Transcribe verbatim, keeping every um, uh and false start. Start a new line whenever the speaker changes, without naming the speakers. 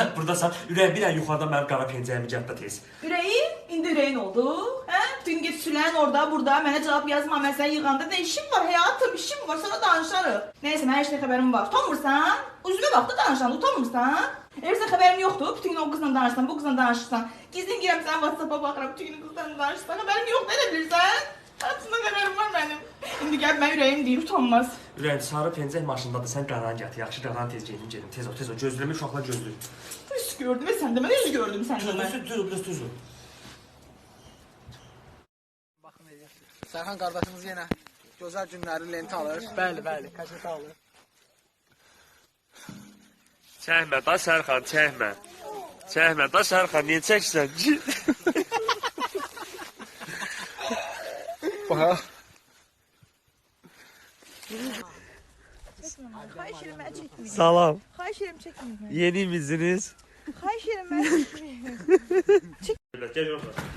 Buradasan, ürəyim bir ən yuxarıdan mənim qara pencəyimi gətirə tez.
Ürəyim? İndi ürəyin oldu. Hə? Bütün gün sülən orada, burada mənə cavab yazma. Mən səni yığanda nə işim var həyatım, işim var, sana danışarıq. Nəysə, mən heç nə xəbərim var. Utanmırsan? Üzümə bax da danışan, utanmırsan? Elbəsə xəbərim yoxdur. Bütün gün o qızla danışsan, bu qızla danışırsan. Gizlin girəm sən WhatsApp-a baxıram, bütün gün qızla danışırsan. Xəbərim yoxdur, elə bilirsən? Hepsine xəbərim var mənim. İndi gəl mən ürəyim deyir, utanmaz.
Ürəyim, sarı pencək maşındadır, sən qaranı gətir. Yaxşı qaranı tez gedim, gedim. Tez ol, tez ol. Gözləmə uşaqlar gözləyir.
Üz gördüm və sən də mən üz gördüm sən də mən.
Tez ol, biraz tez ol.
Baxın elə. Sərxan qardaşımız yenə gözəl günləri lenti alır. Bəli, bəli, kaşeti alır.
Çəkmə da Sərxan, çəkmə. Çəkmə da Sərxan, niyə çəksən ki?
Bax.
Xahiş edirəm mən çəkməyim.
Salam.
Xahiş edirəm çəkməyim.
Yeni misiniz?
Xahiş edirəm mən çəkməyim.
Gel yorma.